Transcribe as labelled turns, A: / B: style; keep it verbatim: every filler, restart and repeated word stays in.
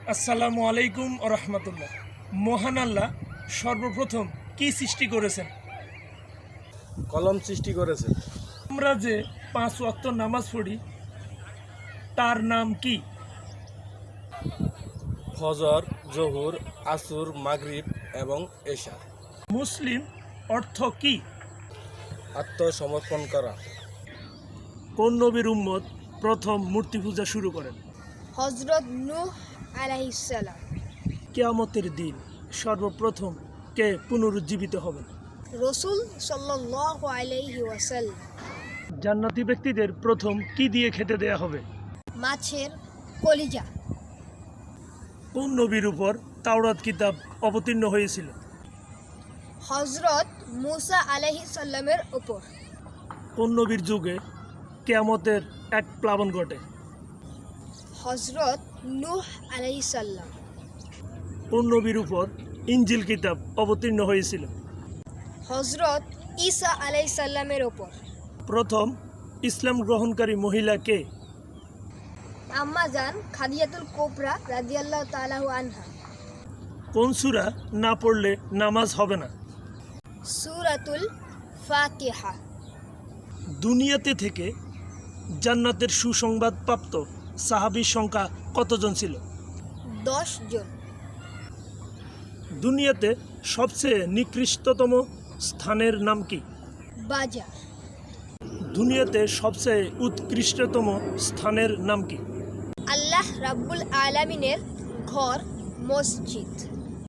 A: আসসালামু আলাইকুম ও রহমতুল্লাহ। মহান আল্লাহ সর্বপ্রথম কি সৃষ্টি করেছেন?
B: কলম সৃষ্টি করেছে।
A: আমরা যে পাঁচ ওয়াক্ত নামাজ পড়ি তার নাম কি?
B: ফজর, জোহর, আসর, মাগরিব এবং এশা।
A: মুসলিম অর্থ কি?
B: আত্মসমর্পণ করা।
A: কোন নবীর উম্মত প্রথম মূর্তি পূজা শুরু করেন?
C: হযরত নূহ আলাইহিস সালাম।
A: কিয়ামতের দিন সর্বপ্রথম কে পুনরুজ্জীবিত হবেন?
C: রাসূল সাল্লাল্লাহু আলাইহি ওয়াসাল্লাম।
A: জান্নাতি ব্যক্তিদের প্রথম কি দিয়ে খেতে দেয়া হবে?
C: মাছের কলিজা।
A: কোন নবীর উপর তাওরাত কিতাব অবতীর্ণ হয়েছিল?
C: হযরত মূসা আলাইহিস সালামের উপর।
A: কোন নবীর যুগে কিয়ামতের এক প্লাবন ঘটে?
C: হযরত নূহ আলাইহিস সালাম।
A: কোন নবীর উপর ইনজিল কিতাব অবতীর্ণ হয়েছিল?
C: হযরত ঈসা আলাইহিস সালামের উপর।
A: প্রথম ইসলাম গ্রহণকারী মহিলা কে?
C: আম্মা জান খাদিজাতুল কুবরা রাদিয়াল্লাহু তাআলা আনহা।
A: কোন সূরা না পড়লে নামাজ হবে না?
C: সূরাতুল ফাতিহা।
A: দুনিয়াতে থেকে জান্নাতের সুসংবাদ প্রাপ্ত সাহাবীর সংখ্যা কতজন ছিল?
C: দশ জন।
A: দুনিয়াতে সবচেয়ে নিকৃষ্টতম স্থানের নাম কি?
C: বাজার।
A: দুনিয়াতে সবচেয়ে উৎকৃষ্টতম স্থানের নাম কি?
C: আল্লাহ রাব্বুল আলামিনের ঘর মসজিদ।